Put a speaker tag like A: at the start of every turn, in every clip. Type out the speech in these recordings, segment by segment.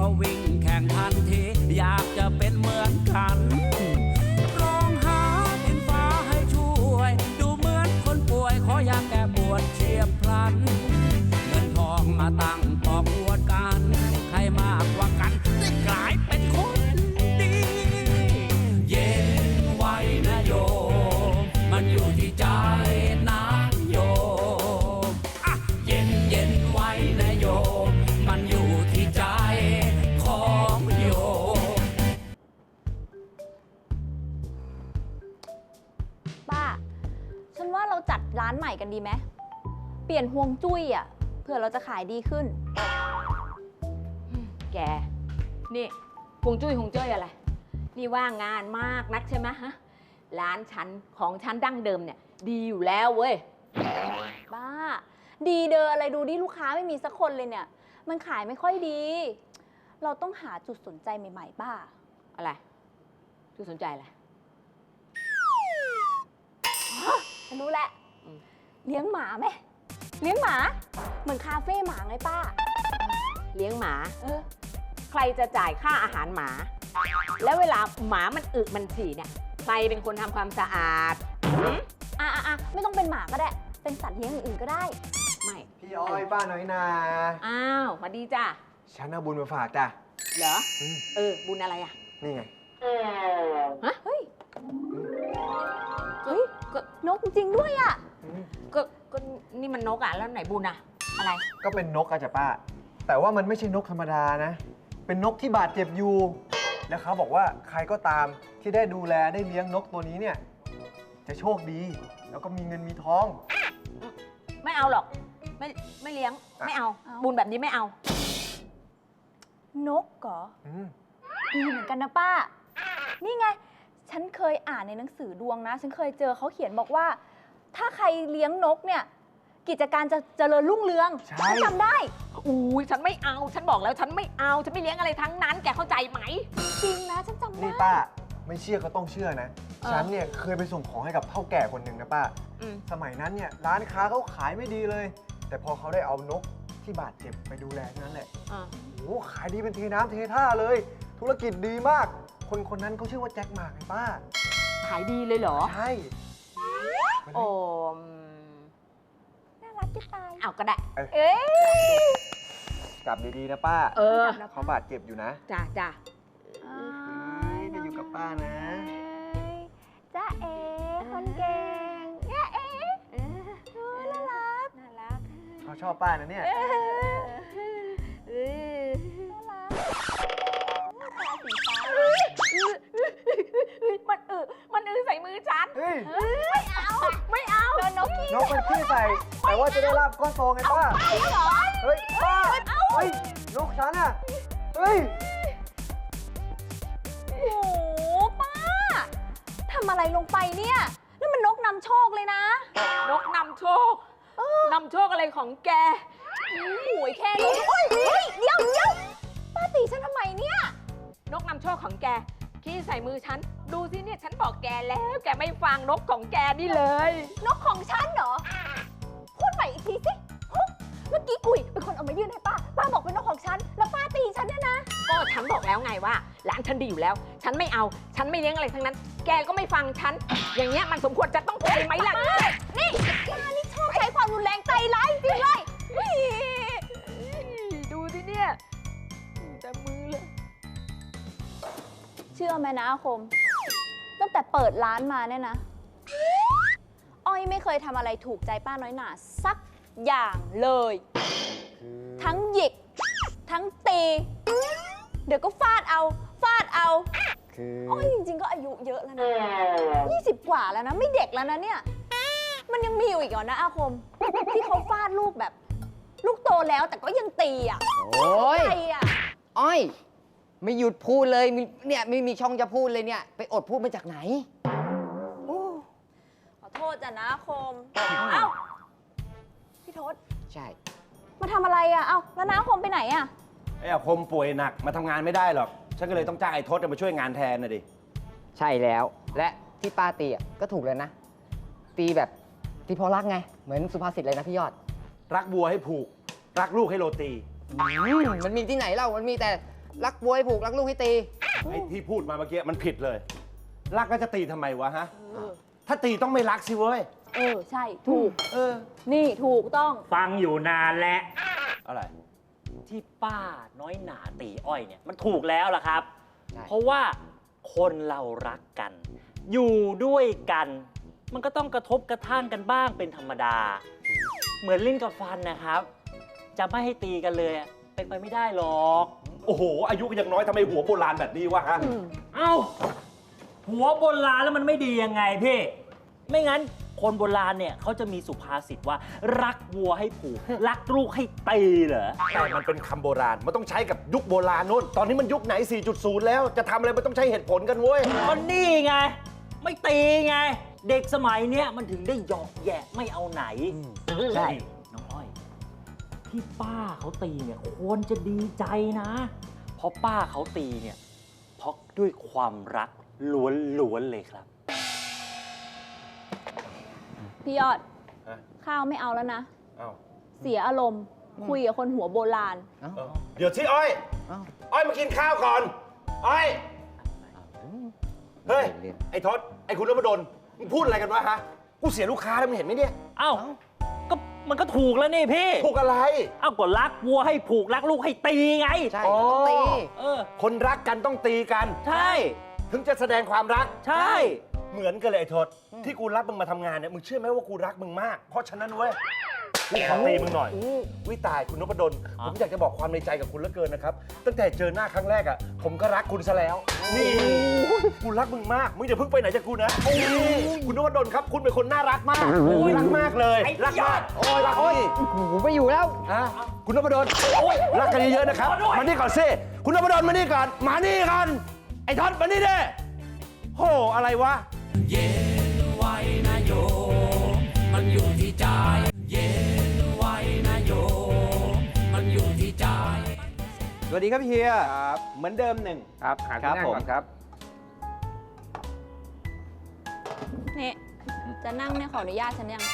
A: ก็วิ่งแข่งทันทีอยากจะเป็นเหมือนกันร้องหาดินฟ้าให้ช่วยดูเหมือนคนป่วยขออยากแก้ปวดเฉียบพลันเงินทองมาตั้งปอกอวดกันใครมากกว่ากันได้กลายเป็นคนดีเย็นไว้นะโยมมันอยู่ที่ใจนะโยมเย็นเย็นไว้นะโยมมันอยู่ที่ใจของโยม
B: ป้า ฉันว่าเราจัดร้านใหม่กันดีไหมเปลี่ยนฮวงจุ้ยอ่ะเผื่อเราจะขายดีขึ้น
C: แก นี่ฮวงจุ้ยฮวงจ้อยอะไร นี่ว่างานมากนักใช่ไหมฮะ ร้านฉันของฉันดั้งเดิมเนี่ยดีอยู่แล้วเว้ย
B: บ้า ดีเดออะไรดูดิลูกค้าไม่มีสักคนเลยเนี่ย มันขายไม่ค่อยดี เราต้องหาจุดสนใจใหม่ๆป้า
C: อะไรจุดสนใจอะไร
B: ฉันรู้แหละ
C: อืม
B: เลี้ยงหมาไหมเลี้ยงหมา เหมือนคาเฟ่หมาไงป้า
C: เลี้ยงหมา
B: เออ
C: ใครจะจ่ายค่าอาหารหมา แล้วเวลาหมามันอึมันฉี่เนี่ยใครเป็นคนทำความสะอาดหืม
B: ไม่ต้องเป็นหมาก็ได้ เป็นสัตว์เลี้ยงอื่นๆก็ได้
C: ไม่
D: พี่อ้อยป้าน้อยนา
C: อ้าวสวัสดีจ้ะ
D: ฉันเอาบุญมาฝากจ้ะ
C: เหรอ บุญอะไรอ่ะ
D: นี่ไง
C: ฮะ
B: เฮ้ย
C: เฮ้ยก็
B: นกจริงๆด้วยอ่ะ
C: ก็นี่มันนกอ่ะแล้วไหนบุญอ่ะ อะไร
D: ก็เป็นนกอะจ้ะป้า แต่ว่ามันไม่ใช่นกธรรมดานะ เป็นนกที่บาดเจ็บอยู่ แล้วเขาบอกว่าใครก็ตามที่ได้ดูแลได้เลี้ยงนกตัวนี้เนี่ย จะโชคดี แล้วก็มีเงินมีทอง
C: ไม่เอาหรอก ไม่เลี้ยง ไม่เอา
B: เอา
C: บุญแบบนี้ไม่เอา
B: นกเหรอ
D: อืม
B: ดีเหมือนกันนะป้า นี่ไง ฉันเคยอ่านในหนังสือดวงนะ ฉันเคยเจอเขาเขียนบอกว่า ถ้าใครเลี้ยงนกเนี่ย กิจการจะเจริญรุ่งเรือง
D: ใช่
B: ฉันจำได้
C: อุ้ยฉันไม่เอา ฉันบอกแล้วฉันไม่เอา ฉันไม่เลี้ยงอะไรทั้งนั้น แกเข้าใจไหม
B: จริงนะ ฉันจำได้
D: นี่ป้า ไม่เชื่อก็ต้องเชื่อนะ
C: เออ
D: ฉันเนี่ยเคยไปส่งของให้กับเฒ่าแก่คนหนึ่งนะป้า
C: อืม
D: สมัยนั้นเนี่ยร้านค้าเขาขายไม่ดีเลย แต่พอเขาได้เอานกที่บาดเจ็บไปดูแลนั่นแหละ
C: อ่ะ
D: โอ้ขายดีเป็นเทน้ำเทท่าเลย ธุรกิจดีมาก คนคนนั้นเขาชื่อว่าแจ็คหมากไงป้า
C: ขายดีเลยเหรอ
D: ใช่
C: โอ้
B: น่ารักจะตาย
C: เอาก็ได้
B: เอ้ย
D: กลับดีๆนะป้า
C: เออ
D: เขาบาดเจ็บอยู่นะ
C: จ้าจ้า
D: จะอยู่กับป้านะ
B: จ้าเอ๋คนเก่งจ้าเอ๋น่ารัก
C: น่ารัก
D: เขาชอบป้านะเนี่ย
C: มันใส่มือฉัน
D: เฮ้ย
C: ไม่เอา
B: โดนนกขี้
D: นกมันขี้ใส่ แต่ว่าจะได้ลาบก้อนโตไงป้า เฮ้ย ป้า เฮ้ย นกฉันอะเฮ้ย
B: โอ้โหป้าทำอะไรลงไปเนี่ยนั่นมันนกนำโชคเลยนะ
C: นกนำโชคนำโชคอะไรของแก
B: โอ้ยแค่นี้โอ้ยเฮ้ยเดี๋ยวป้าตีฉันทำไมเนี่ย
C: นกนำโชคของแกขี้ใส่มือฉัน ดูสิเนี่ยฉันบอกแกแล้ว แกไม่ฟังนกของแกนี่เลย
B: นกของฉันเหรอ พูดใหม่อีกทีสิฮะเมื่อกี้กุยเป็นคนเอามายื่นให้ป้า ป้าบอกเป็นนกของฉัน แล้วป้าตีฉันเนี่ยนะ
C: ก็ฉันบอกแล้วไงว่าร้านฉันดีอยู่แล้ว ฉันไม่เอา ฉันไม่เลี้ยงอะไรทั้งนั้น แกก็ไม่ฟังฉัน อย่างเงี้ยมันสมควรจะต้องไปไหมล่ะ
B: นี่ป้านี่ชอบใช้ความรุนแรงใจร้ายจริงเลยเฮ้ย
C: ดูสิเนี่ยแต่มือเลย
B: เชื่อไหมนะอาคม ตั้งแต่เปิดร้านมาเนี่ยนะ อ้อยไม่เคยทำอะไรถูกใจป้าน้อยหนาสักอย่างเลย ทั้งหยิก ทั้งตี เดี๋ยวก็ฟาดเอา
D: คือ
B: อ้อยจริงๆ ก็อายุเยอะแล้วนะ 20 กว่าแล้วนะ ไม่เด็กแล้วนะเนี่ย มันยังมีอยู่อีกเหรอนะอาคม ที่เขาฟาดลูกแบบ ลูกโตแล้วแต่ก็ยังตีอ่ะ
E: โอ้ย
B: ใครอ่ะ
E: อ้อย ไม่หยุดพูดเลยเนี่ยไม่มีช่องจะพูดเลยเนี่ย ไปอดพูดมาจากไหน
B: ขอโทษจ้ะนะอาคม เอ้า พี่ทศ
E: ใช่
B: มาทำอะไรอ่ะ เอ้าแล้วน้าอาคมไปไหนอ่ะ
F: ไอ้อาคมป่วยหนักมาทำงานไม่ได้หรอก ฉันก็เลยต้องจ้างไอ้ทศมาช่วยงานแทนนะดิ
E: ใช่แล้ว และที่ป้าตีอ่ะก็ถูกเลยนะ ตีแบบตีเพราะรักไง เหมือนสุภาษิตเลยนะพี่ยอด
F: รักวัวให้ผูก รักลูกให้โรตี
E: มันมีที่ไหนเล่า มันมีแต่รักวัวให้ผูกรักลูกให้ตี
F: ไอ้ที่พูดมาเมื่อกี้มันผิดเลย รักก็จะตีทำไมวะฮะ ถ้าตีต้องไม่รักสิเว้ย
B: ใช่ถูก
F: เออ
B: นี่ถูกต้อง
G: ฟังอยู่นานแล้ว
F: อะไร
G: ที่ป้าน้อยหนาตีอ้อยเนี่ยมันถูกแล้วล่ะครับ
E: ใช่
G: เพราะว่าคนเรารักกัน อยู่ด้วยกัน มันก็ต้องกระทบกระทั่งกันบ้างเป็นธรรมดา เหมือนลิ้นกับฟันนะครับ จะไม่ให้ตีกันเลยอะเป็นไปไม่ได้หรอก
F: โอ้โห อายุก็ยังน้อยทำไมหัวโบราณแบบนี้วะฮะ
G: เอ้า หัวโบราณแล้วมันไม่ดียังไงพี่ ไม่งั้นคนโบราณเนี่ยเขาจะมีสุภาษิตว่า รักวัวให้ผูก รักลูกให้ตีเหรอ
F: แต่มันเป็นคำโบราณ มันต้องใช้กับยุคโบราณนู่น ตอนนี้มันยุคไหน 4.0 แล้ว จะทำอะไรมันต้องใช้เหตุผลกันเว้ย
G: ก็นี่ไง ไม่ตีไง เด็กสมัยเนี้ยมันถึงได้หยอกแยะไม่เอาไหน
E: ใช่
G: น้องอ้อย ที่ป้าเขาตีเนี่ยควรจะดีใจนะ เพราะป้าเขาตีเนี่ยเพราะด้วยความรักล้วนๆเลยครับ
B: พี่ยอด
F: ฮะ
B: ข้าวไม่เอาแล้วนะ
F: เอ้า
B: เสียอารมณ์ คุยกับคนหัวโบราณ
F: เดี๋ยวที่อ้อย
E: เอ้า
F: อ้อยมากินข้าวก่อน อ้อย เฮ้ย ไอ้ทศ ไอ้คุณนพดลมึงพูดอะไรกันวะฮะ กูเสียลูกค้าแล้วมึงเห็นไหมเนี่ย
G: เอ้า ก็มันก็ถูกแล้วนี่พี่
F: ถูกอะไร
G: เอ้าก็รักวัวให้ผูกรักลูกให้ตีไง
E: ใช่
F: อ๋อ
E: ต้องตี
G: เออ
F: คนรักกันต้องตีกัน
G: ใช่
F: ถึงจะแสดงความรัก
G: ใช่
F: เหมือนกันเลยไอ้ทศ ที่กูรับมึงมาทำงานเนี่ย มึงเชื่อไหมว่ากูรักมึงมาก เพราะฉะนั้นเว้ย กูขอตีมึงหน่อย วิตายคุณนพดล ผมอยากจะบอกความในใจกับคุณเหลือเกินนะครับ ตั้งแต่เจอหน้าครั้งแรกอ่ะ ผมก็รักคุณซะแล้ว นี่กูรักมึงมาก มึงอย่าเพิ่งไปไหนจากกูนะนี่คุณนพดลครับ คุณเป็นคนน่ารักมากรักมากเลย รักมาก โอ้ยรักนี่
E: ผมไม่อยู่แล้ว
F: อ่ะคุณนพดลรักกันเยอะๆนะครับ มานี่ก่อนสิคุณนพดลมานี่ก่อน มานี่ก่อน ไอ้ทศมานี่เด้โห อะไรวะ
A: เย็นไว้นะโยมมันอยู่ที่ใจ เย็นไว้นะโยมมันอยู่ที่ใจ
D: สวัสดีครับเฮียครับเหมือนเดิมหนึ่ง
E: ครับหาที่นั่งก่อนครับ
B: นี่ จะนั่งเนี่ยขออนุญาตฉันยัง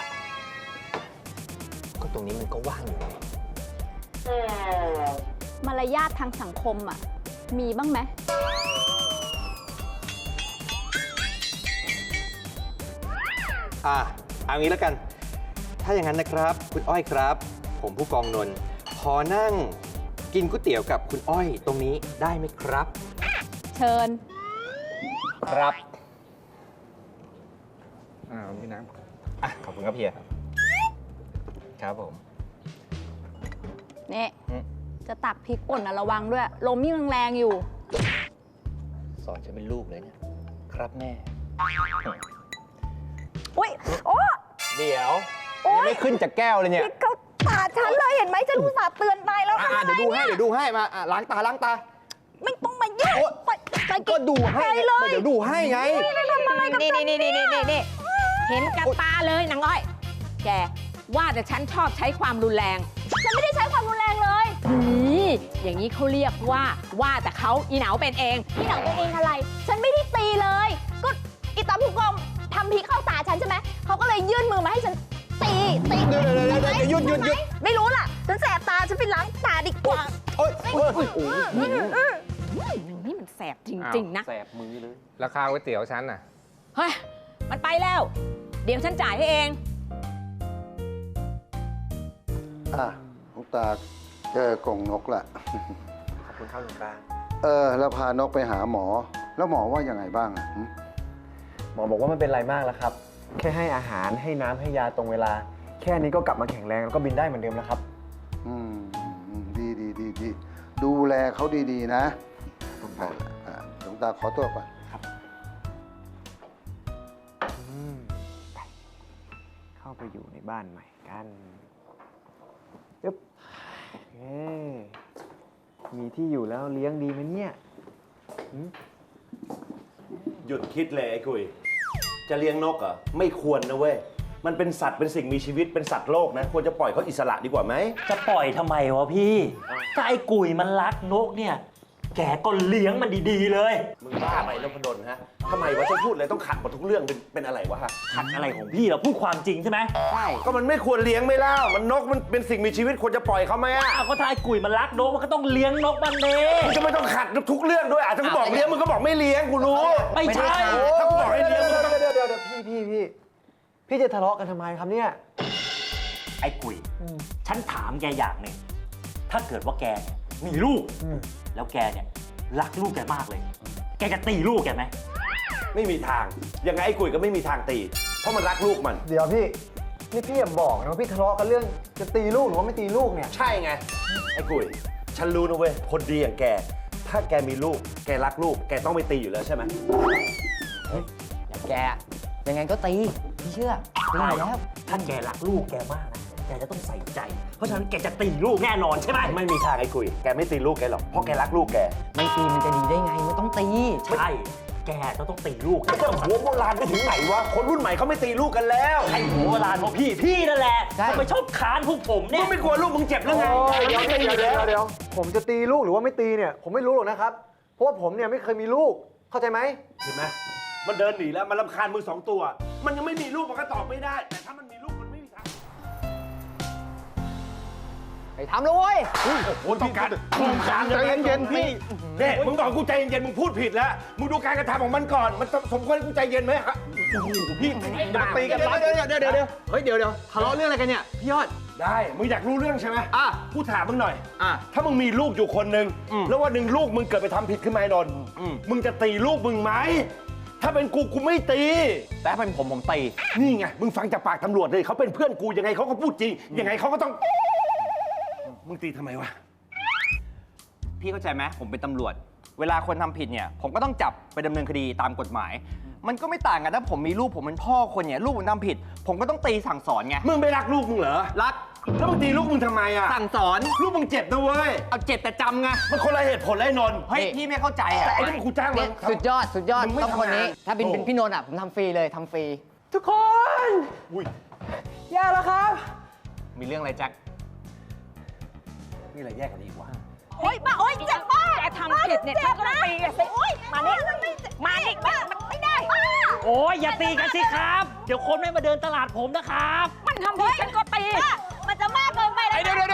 D: ก็ตรงนี้มันก็ว่างอยู่
B: มารยาททางสังคมอ่ะ มีบ้างไหม
H: เอางี้แล้วกัน ถ้าอย่างนั้นนะครับ คุณอ้อยครับ ผมผู้กองนนท์ขอนั่งกินก๋วยเตี๋ยวกับคุณอ้อยตรงนี้ได้ไหมครับ
B: เชิญ
H: ครับพี่น้ำขอบคุณครับเฮียครับผม
B: นี่ จะตักพริกป่นนะระวังด้วย ลมยิ่งแรงๆอยู่
H: สอนฉันเป็นลูกเลยเนี่ย ครับแม่
B: อุ้ย โอ้
H: เดี๋ยว
B: โอ๊
H: ยัง
B: ย
H: ไม่ขึ้นจากแก้วเลยเนี่ย
B: พริกเข้าตาฉันเลยเห็นไหมฉันอุตส่าห์เตือนไปแล้วทำไม
H: เดี๋ยวดูให้
B: เนี่ย
H: เดี๋ยวดูให้มาล้างตาล้างตา
B: ไม่ต้องมายุ่ง
H: โอ๊ย
B: ไป
H: ก็ดูให้
B: ไปเลย
H: เดี๋ยวดูให้ไง
B: ไม่ทำอะไรกับฉัน
C: นี่เห็นกับตาเลยนางอ้อย แกว่าแต่ฉันชอบใช้ความรุนแรง
B: ฉันไม่ได้ใช้ความรุนแรงเลย
C: นี่อย่างนี้เขาเรียกว่าแต่เขาอีเหนาเป็นเอง
B: พี่หนังตัวเองอะไร ฉันไม่ได้ตีเลย ก็อีตาผู้กองทำพริกเข้าตาฉันใช่ไหม เขาก็เลยยื่นมือมาให้ฉันตี
H: เดี๋ยวหยุด
B: ไม่รู้ล่ะ ฉันแสบตา ฉันไปล้างตาดีกว่า
H: โอ๊ยโอ๊ยโอ๊ย
C: นี่มันแสบจริง ๆ นะ
F: แสบมือเลย
E: ราคาก๋วยเตี๋ยวฉันน่ะ
C: เฮ้ย มันไปแล้ว เดี๋ยวฉันจ่ายให้เอง
I: หลวงตาเจอกรงนกละ
D: ขอบคุณครับหลวงตา
I: แล้วพานกไปหาหมอ แล้วหมอว่ายังไงบ้างอะหึ
D: หมอบอกว่าไม่เป็นไรมากแล้วครับ แค่ให้อาหารให้น้ำให้ยาตรงเวลา แค่นี้ก็กลับมาแข็งแรงแล้วก็บินได้เหมือนเดิมแล้วครับ
I: ดี ดูแลเขาดีๆ นะหลวงตาขอตัวก่อน
D: เข้าไปอยู่ในบ้านใหม่กันปึ๊บเฮ้มีที่อยู่แล้วเลี้ยงดีไหมเนี่ย
F: หยุดคิดเลยไอ้กุย จะเลี้ยงนกเหรอ ไม่ควรนะเว้ย มันเป็นสัตว์เป็นสิ่งมีชีวิตเป็นสัตว์โลกนะ ควรจะปล่อยเขาอิสระดีกว่าไหม
G: จะปล่อยทำไมวะพี่ถ้าไอ้กุยมันรักนกเนี่ยแกก็เลี้ยงมันดีๆเลย
F: มึงบ้าไปนพดลฮะทำไมวะฉันพูดเลยต้องขัดหมดทุกเรื่องเป็นอะไรวะฮะ
G: ขัดอะไรของพี่เราพูดความจริงใช่ไหม
E: ใช่
F: ก็มันไม่ควรเลี้ยงไม่เล่ามันนกมันเป็นสิ่งมีชีวิตควรจะปล่อยเขาไหมอ่ะ
G: อ้าวก็ถ้าไอ้กุยมันรักนกมันก็ต้องเลี้ยงนกมันเน่
F: มึงจะไม่ต้องขัดทุกเรื่องด้วยอ่ะถ้ากูบอกเลี้ยงมึงก็บอกไม่เลี้ยงกูรู้
G: ไม่ใช่
F: ถ้ากูบอกให้เลี้ยงมึงก็ต้อง
D: เดี๋ยวพี่จะทะเลาะกันทำไมครับเนี่ย
G: ไอ้กุยฉันถามแกอย่างหนึ่งถ้าเกิดว่าแกเนี่ยมีลูก แล้วแกเนี่ยรักลูกแกมากเลย แกจะตีลูกแกไหม
F: ไม่มีทางยังไงไอ้กุยก็ไม่มีทางตี เพราะมันรักลูกมัน
D: เดี๋ยวพี่ นี่พี่อย่าบอกนะว่าพี่ทะเลาะกันเรื่องจะตีลูกหรือว่าไม่ตีลูกเนี่ย
F: ใช่ไงไอ้กุยฉันรู้นะเว้ยคนดีอย่างแก ถ้าแกมีลูกแกรักลูกแกต้องไม่ตีอยู่แล้วใช่ไหม
E: อย่างแกยังไงก็ตีพี่เชื่อตีอยู่แล้ว
G: ถ้าแกรักลูกแกมากนะแกจะต้องใส่ใจ เพราะฉะนั้นแกจะตีลูกแน่นอนใช่ไหม
F: ไม่มีทางไอ้กุยแกไม่ตีลูกแกหรอกเพราะแกรักลูกแก
E: ไม่ตีมันจะดีได้ไงมันต้องตี
G: ใช่แกจะต้องตีลูก
F: ไอ้เจ้าหัวโบราณไปถึงไหนวะคนรุ่นใหม่เขาไม่ตีลูกกันแล้ว
G: ไอ้หัวโบราณของพี่นั่นแหละ
E: ใช่
G: ทำไมชอบค้านพวกผม
F: มึ
G: เนี่ย
F: งไม่กลัวลูกมึงเจ็บหรือไง
D: เดี๋ยวผมจะตีลูกหรือว่าไม่ตีเนี่ยผมไม่รู้หรอกนะครับ เพราะว่าผมเนี่ยไม่เคยมีลูกเข้าใจไหม
F: เห็นไหมมันเดินหนีแล้วมันรำคาญมึงสองตัว มันยังไม่มีลูกมันก็ตอบไม่ได้ แต่ถ้ามันมีลูกมันไม่มีทาง
E: ไอ้ทำเลยเว้ย
F: โอ้โหต้องการใจเย็นๆพี่เนี่ยมึงบอกกูใจเย็นๆมึงพูดผิดแล้วมึงดูการกระทำของมันก่อนมันสมควรให้กูใจเย็นไหมฮะโอ้โหพี่อย่ามาตีกันร้อน
D: เดี๋ยวทะเลาะเรื่องอะไรกันเนี่ยพี่ยอด
F: ได้มึงอยากรู้เรื่องใช่ไหม
D: อ่ะ
F: กูถามมึงหน่อย
D: อ่ะ
F: ถ้ามึงมีลูกอยู่คนหนึ่งแล้ววันหนึ่งลูกมึงเกิดไปทำผิดขึ้นมาไอ้นนท์มึงจะตีลูกมึงไหมถ้าเป็นกูไม่ตี
H: แต่ถ้าเป็นผมตี
F: นี่ไง มึงฟังจากปากตำรวจเลยเขาเป็นเพื่อนกูยังไงเขาก็พูดจริง ยังไงเขาก็ต้อง มึงตีทำไมวะ
H: พี่เข้าใจไหมผมเป็นตำรวจ เวลาคนทำผิดเนี่ย ผมก็ต้องจับไปดำเนินคดีตามกฎหมาย มันก็ไม่ต่างกันถ้าผมมีลูกผมเป็นพ่อคนเนี่ยลูกผมทำผิด ผมก็ต้องตีสั่งสอนไง
F: มึงไม่รักลูกมึงเหรอ
H: รัก
F: แล้วมึงตีลูกมึงทำไมอ่ะ
H: สั่งสอน
F: ลูกมึงเจ็บนะเว้ย
H: เอาเจ็บแต่จำไง
F: มันคนละเหตุผลเลยนนท์
H: เฮ้ยพี่ไม่เข้าใจอ่ะ
F: แต่ไอ้ที่มึงกูจ้างมั
E: เนี่ย
F: น
E: สุดยอด
F: มึงไม่
E: ต้องคนนี้
F: ทำงาน
E: ถ้าเป็น
F: โอ้
E: พี่นนท์อ่ะผมทำฟรีเลยทำฟรี
H: ทุกคน
F: อุ้ย
H: แย่แล้วครับ มีเรื่องอะไรแจ็ค
F: นี่อะไรแยกกันอีกวะ
B: โอ๊ยป้าโอ๊ยเจ็บป้า
C: แกทำผิดเนี่ยฉันก็ต้องตีแกสิ
B: โอ๊ย
C: มานี่มานี่
B: ป้ามันไม่ได้ป้า
G: โอ้ยอย่าตีกันสิครับ เดี๋ยวคนไม่มาเดินตลาดผมนะครับ
C: มันทำผิดฉันก็ตี
B: ป้ามันจะมากเกินไปแล้ว
H: เดี๋ยวหยุด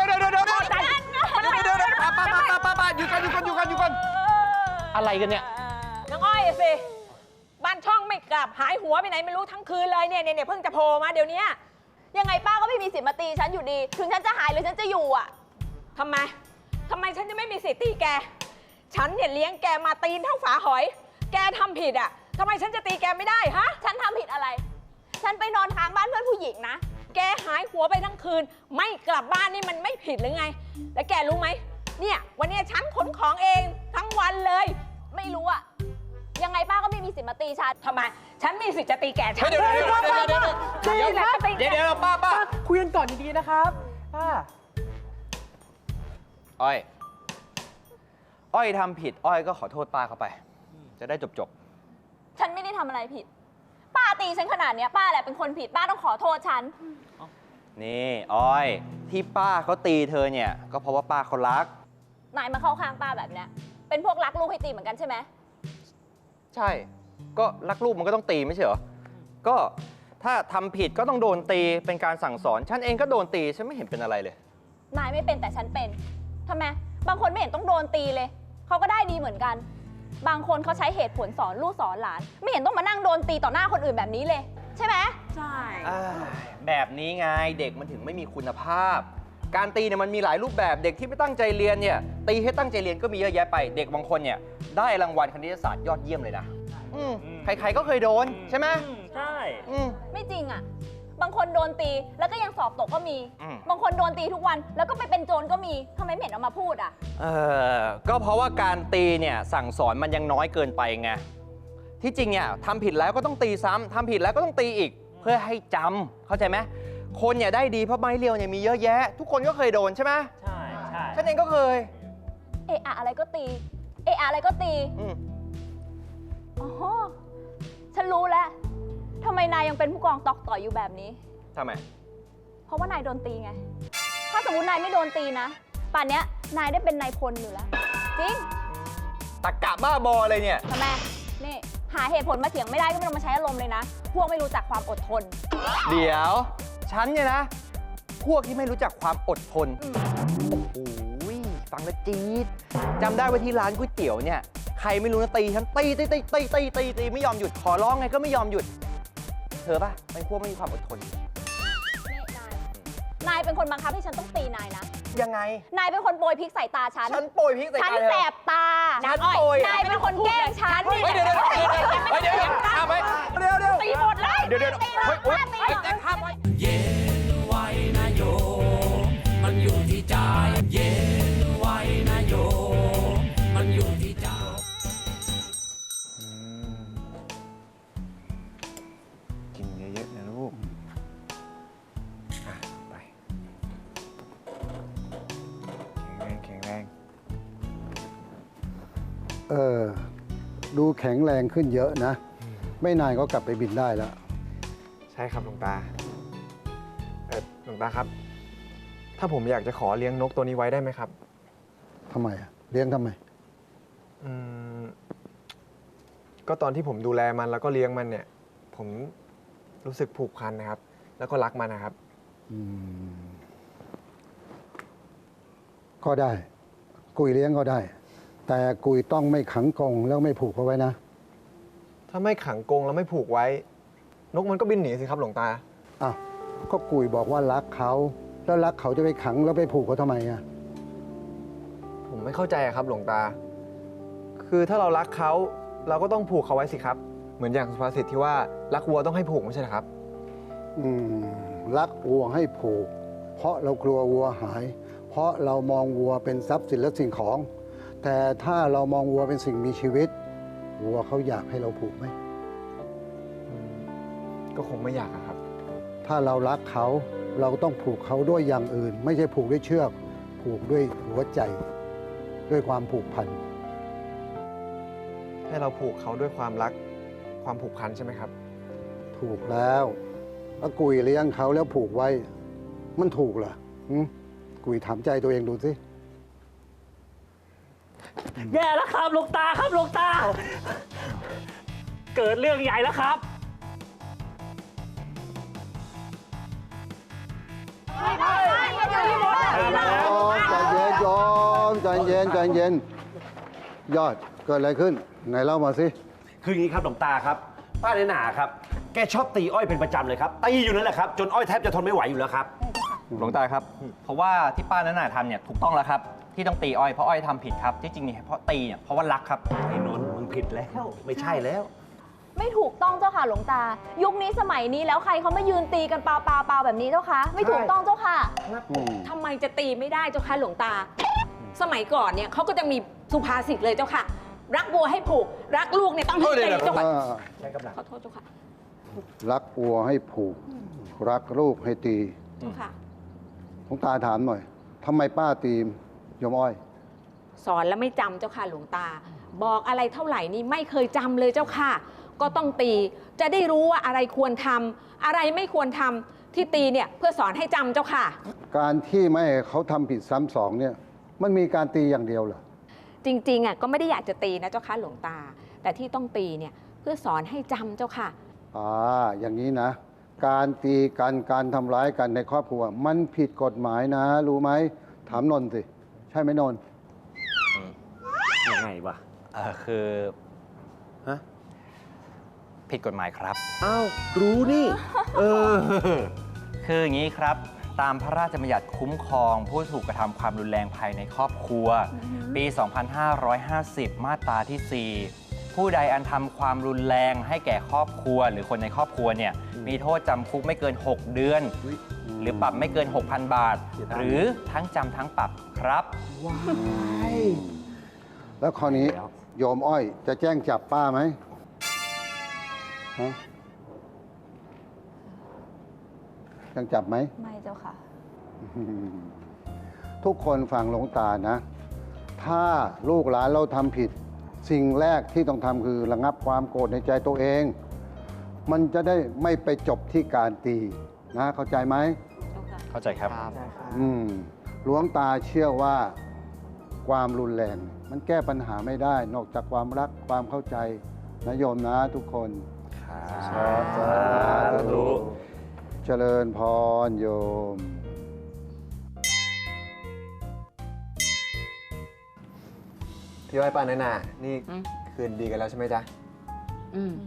H: กันอะไรกันเนี่ย
C: น้องอ้อยสิบ้านช่องไม่กลับหายหัวไปไหนไม่รู้ทั้งคืนเลยเนี่ยเพิ่งจะโผล่มาเดี๋ยวนี้
B: ยังไงป้าก็ไม่มีสิทธิ์มาตีฉันอยู่ดี ถึงฉันจะหายหรือฉันจะอยู่อ่ะ
C: ทำไมฉันจะไม่มีสิทธิ์ตีแก ฉันเนี่ยเลี้ยงแกมาตีนเท่าฝาหอย แกทำผิดอ่ะทำไมฉันจะตีแกไม่ได้ฮะ
B: ฉันทำผิดอะไร ฉันไปนอนค้างบ้านเพื่อนผู้หญิงนะ
C: แกหายหัวไปทั้งคืน ไม่กลับบ้านนี่มันไม่ผิดหรือไง แล้วแกรู้ไหมเนี่ยวันนี้ฉันขนของเองทั้งวันเลย
B: ไม่รู้อ่ะ ยังไงป้าก็ไม่มีสิทธิ์มาตีฉัน
C: ทำไม ฉันมีสิทธิ์จะตีแกฉัน
H: เดี๋ยว
C: ตีแหละจะตีแก
H: เดี๋ยวป้าคุยกันก่อนดีๆนะครับป้าอ้อยทำผิดอ้อยก็ขอโทษป้าเขาไป จะได้จบ
B: ฉันไม่ได้ทำอะไรผิด ป้าตีฉันขนาดเนี้ยป้าแหละเป็นคนผิด ป้าต้องขอโทษฉัน
H: นี่อ้อยที่ป้าเขาตีเธอเนี่ย ก็เพราะว่าป้าเขารัก
B: นายมาเข้าข้างป้าแบบเนี้ย เป็นพวกรักลูกให้ตีเหมือนกันใช่ไหม
H: ใช่ ก็รักลูกมันก็ต้องตีไม่ใช่เหรอ ก็ถ้าทำผิดก็ต้องโดนตีเป็นการสั่งสอน ฉันเองก็โดนตีฉันไม่เห็นเป็นอะไรเลย
B: นายไม่เป็นแต่ฉันเป็นทำไม บางคนไม่เห็นต้องโดนตีเลย เขาก็ได้ดีเหมือนกัน บางคนเขาใช้เหตุผลสอนลูกสอนหลาน ไม่เห็นต้องมานั่งโดนตีต่อหน้าคนอื่นแบบนี้เลย ใช่ไหม
C: ใช่
H: แบบนี้ไงเด็กมันถึงไม่มีคุณภาพ การตีเนี่ยมันมีหลายรูปแบบเด็กที่ไม่ตั้งใจเรียนเนี่ยตีให้ตั้งใจเรียนก็มีเยอะแยะไป เด็กบางคนเนี่ยได้รางวัลคณิตศาสตร์ยอดเยี่ยมเลยนะใครๆก็เคยโดนใช่ไหม
G: ใช่
B: ไม่จริงอ่ะ บางคนโดนตีแล้วก็ยังสอบตกก็มี
H: อืม
B: บางคนโดนตีทุกวันแล้วก็ไปเป็นโจรก็มีทำไมไม่เห็นเอามาพูดอ่ะ
H: ก็เพราะว่าการตีเนี่ยสั่งสอนมันยังน้อยเกินไปไงที่จริงเนี่ยทำผิดแล้วก็ต้องตีซ้ำทำผิดแล้วก็ต้องตีอีก เพื่อให้จำเข้าใจไหมคนเนี่ยได้ดีเพราะไม้เรียวเนี่ยมีเยอะแยะ ทุกคนก็เคยโดนใช่ไหม
G: ใช่ใช่
H: ฉันเองก็เคย
B: เอะอะอะไรก็ตี เอะอะอะไรก็ตี อ๋อ ฉันรู้แล้วทำไมนายยังเป็นผู้กองตอกต่อยอยู่แบบนี้
H: ทำไม
B: เพราะว่านายโดนตีไง ถ้าสมมตินายไม่โดนตีนะ ป่านเนี้ยนายได้เป็นนายพลอยู่แล้ว จริง
H: ตรกกะบ้าบออะไรเนี่ย
B: ทำไมนี่หาเหตุผลมาเถียงไม่ได้ก็ไม่ต้องมาใช้อารมณ์เลยนะ พวกไม่รู้จักความอดทน
H: เดี๋ยว ฉันเนี่ยนะ พวกที่ไม่รู้จักความอดทน โอ้โหฟังแล้วจี๊ดจำได้ว่าที่ร้านก๋วยเตี๋ยวเนี่ย ใครไม่รู้นะตีฉันตีไม่ยอมหยุด ขอร้องไงก็ไม่ยอมหยุด เธอป่ะเป็นพวกไม่มีความอดทน
B: นี่นายเป็นคนบังคับให้ฉันต้องตีนายนะ
H: ยังไง
B: นายเป็นคนโปรยพริกใส่ตาฉัน
H: ฉันโปรยพริกใส่
B: ฉัน
H: ตาเธอ
B: แสบตา
H: ฉันโปรย
B: นายเป็นคนแกล้งฉัน
H: เฮ้ยเดี๋ยวข้ามไปเดี๋ยว
B: ตีหมดเลย
H: เดี๋ยวเฮ้ยข้ามไป
A: เย็นไว้นะโยม มันอยู่ที่ใจ เย็นไว้นะโยม มันอยู่ที่ใจ
D: กินเยอะๆนะลูกไปแข็งแรง
I: ดูแข็งแรงขึ้นเยอะนะ ไม่นานก็กลับไปบินได้แล้ว
D: ใช่ครับหลวงตาหลวงตาครับ ถ้าผมอยากจะขอเลี้ยงนกตัวนี้ไว้ได้ไหมครับ
I: ทำไมอะเลี้ยงทำไม
D: อืมก็ตอนที่ผมดูแลมันแล้วก็เลี้ยงมันเนี่ย ผมรู้สึกผูกพันนะครับ แล้วก็รักมันนะครับ
I: อืมก็ได้ กุยเลี้ยงก็ได้ แต่กุยต้องไม่ขังกรงแล้วไม่ผูกเอาไว้นะ
D: ถ้าไม่ขังกรงแล้วไม่ผูกไว้ นกมันก็บินหนีสิครับหลวงตา
I: อ้าว ก็กุยบอกว่ารักเขา แล้วรักเขาจะไปขังแล้วไปผูกเขาทำไมอะ
D: ผมไม่เข้าใจอะครับหลวงตา คือถ้าเรารักเขาเราก็ต้องผูกเขาไว้สิครับ เหมือนอย่างสุภาษิตที่ว่ารักวัวต้องให้ผูกไม่ใช่เหรอครับ
I: รักวัวให้ผูก เพราะเรากลัววัวหาย เพราะเรามองวัวเป็นทรัพย์สินและสิ่งของ แต่ถ้าเรามองวัวเป็นสิ่งมีชีวิต วัวเขาอยากให้เราผูกไหม
D: ก็คงไม่อยากอะครับ
I: ถ้าเรารักเขาเราต้องผูกเขาด้วยอย่างอื่น ไม่ใช่ผูกด้วยเชือก ผูกด้วยหัวใจ ด้วยความผูกพัน
D: ให้เราผูกเขาด้วยความรักความผูกพันใช่ไหมครับ
I: ถูกแล้วถ้ากุยเลี้ยงเขาแล้วผูกไว้ มันถูกเหรอกุยถามใจตัวเองดูสิ
G: แย่แล้วครับหลวงตาครับหลวงตา เกิดเรื่องใหญ่แล้วครับ
I: ใจเย็น ยอดเกิดอะไรขึ้น ไหนเล่ามาสิ
F: คืออย่างนี้ครับหลวงตาครับ ป้าเนหนาครับ แกชอบตีอ้อยเป็นประจำเลยครับ ตีอยู่นั่นแหละครับ จนอ้อยแทบจะทนไม่ไหวอยู่แล้วครับ
H: หลวงตาครับ เพราะว่าที่ป้านั้นน่ะทำเนี่ยถูกต้องแล้วครับ ที่ต้องตีอ้อยเพราะอ้อยทำผิดครับ ที่จริงเนี่ยเพราะตีเนี่ยเพราะว่ารักครับ
F: ไอ้นนท์มึงผิดแล้ว ไม่ใช่แล้ว
B: ไม่ถูกต้องเจ้าค่ะหลวงตา ยุคนี้สมัยนี้แล้วใครเขามายืนตีกันเปล่าๆแบบนี้เจ้าค่ะ ไม่ถูกต้องเจ้าค่ะ
C: ทำไมจะตีไม่ได้เจ้าค่ะหลวงตา สมัยก่อนเนี่ยเขาก็จะมีสุภาษิตเลยเจ้าค่ะ รักวัวให้ผูก รักลูกเนี่ยต้องให้ตีเจ้าค่ะขอโทษเจ้าค่ะ
I: รักวัวให้ผูก รักลูกให้ตี
C: เจ้าค่ะ
I: หลวงตาถามหน่อยทำไมป้าตีโยมอ้อย
C: สอนแล้วไม่จำเจ้าค่ะหลวงตา บอกอะไรเท่าไหร่นี่ไม่เคยจำเลยเจ้าค่ะ ก็ต้องตีจะได้รู้ว่าอะไรควรทำอะไรไม่ควรทำที่ตีเนี่ยเพื่อสอนให้จำเจ้าค่ะ
I: การที่ไม่ให้เขาทำผิดซ้ำสองเนี่ย มันมีการตีอย่างเดียวเหรอ
C: จริงๆอ่ะก็ไม่ได้อยากจะตีนะเจ้าค่ะหลวงตา แต่ที่ต้องตีเนี่ยเพื่อสอนให้จำเจ้าค่ะ
I: อย่างนี้นะ การตีกันการทำร้ายกันในครอบครัว มันผิดกฎหมายนะ รู้ไหมถามนนท์สิ ใช่ไหมนนท์
F: ยังไงวะ
H: คือ
F: ฮะ
H: ผิดกฎหมายครับ
F: อ้าว รู้นี่
H: คืออย่างนี้ครับ ตามพระราชบัญญัติคุ้มครองผู้ถูกกระทำความรุนแรงภายในครอบครัว ปี 2550 มาตราที่ 4 ผู้ใดอันทำความรุนแรงให้แก่ครอบครัว หรือคนในครอบครัวเนี่ยมีโทษจำคุกไม่เกิน 6 เดือน หรือปรับไม่เกิน 6,000 บาท หรือทั้งจำทั้งปรับครับ
I: แล้วข้อนี้โยมอ้อยจะแจ้งจับป้าไหมฮะแจ้งจับไหม
B: ไม่เจ้าค่ะ
I: ทุกคนฟังหลวงตานะ ถ้าลูกหลานเราทำผิด สิ่งแรกที่ต้องทำคือระงับความโกรธในใจตัวเอง มันจะได้ไม่ไปจบที่การตีนะ เข้าใจไหม
H: เข้าใจครับ
I: หลวงตาเชื่อว่าความรุนแรง มันแก้ปัญหาไม่ได้ นอกจากความรักความเข้าใจนะโยมนะทุกคน
D: สาธุ
I: เจริญพรโยม
D: พี่อ้อยป้าน้อยหนานี่คืนดีกันแล้วใช่ไหมจ๊ะ
C: อืม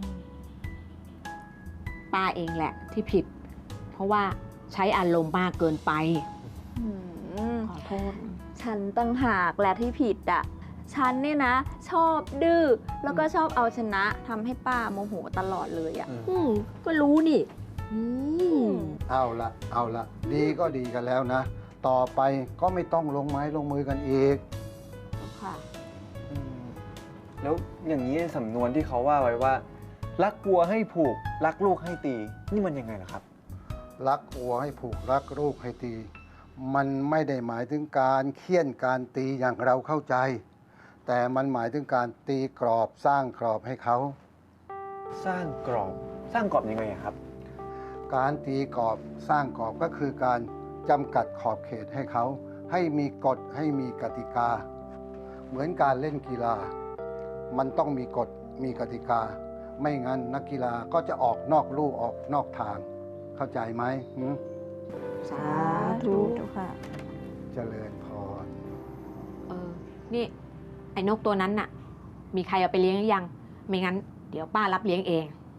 C: ป้าเองแหละที่ผิด เพราะว่าใช้อารมณ์มากเกินไป
B: อืม
C: ขอโทษ
B: ฉันตั้งหากแหละที่ผิดอ่ะ ฉันเนี่ยนะ ชอบดื้อ แล้วก็ชอบเอาชนะทำให้ป้าโมโหตลอดเลยอ่ะ
C: ก็รู้นี่
I: เอาละดีก็ดีกันแล้วนะ ต่อไปก็ไม่ต้องลงไม้ลงมือกันอีก
C: ค่ะ
D: แล้วอย่างนี้สำนวนที่เขาว่าไว้ว่า รักวัวให้ผูก รักลูกให้ตี นี่มันยังไงล่ะครับ
I: รักวัวให้ผูกรักลูกให้ตี มันไม่ได้หมายถึงการเคี่ยนการตีอย่างเราเข้าใจ แต่มันหมายถึงการตีกรอบสร้างกรอบให้เขา
D: สร้างกรอบยังไงอะครับ
I: การตีกรอบสร้างกรอบก็คือการจำกัดขอบเขตให้เขา ให้มีกฎให้มีกติกา เหมือนการเล่นกีฬา มันต้องมีกฎมีกติกา ไม่งั้นนักกีฬาก็จะออกนอกลู่ออกนอกทาง เข้าใจไหม
C: สาธุ
B: ค่ะ
I: เจริญพร
C: นี่ ไอ้นกตัวนั้นน่ะ มีใครเอาไปเลี้ยงหรือยัง ไม่งั้น เดี๋ยวป้ารับเลี้ยงเอง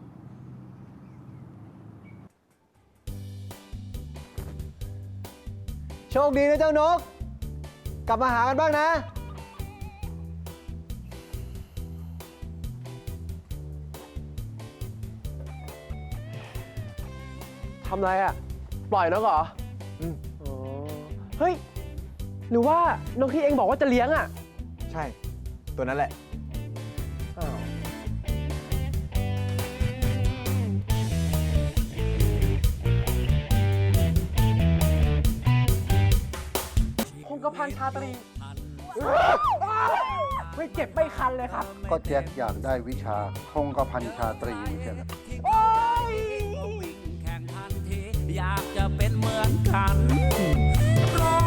D: โชคดีนะเจ้านก กลับมาหากันบ้างนะ
J: ทำอะไรอ่ะ ปล่อยนกเหรออ๋อเฮ้ย หรือว่านกที่เองบอกว่าจะเลี้ยงอ่ะ
D: ใช่ ตัวนั้นแหละ
J: อ้าว คงกระพันชาตรี ไม่เจ็บไม่คันเลยครับ
I: ก็แจ็คอยากได้วิชาคงกระพันชาตรีไม่ใช่เหรอ
A: วิ่งแข่งทันทีอยากจะเป็นเหมือนกัน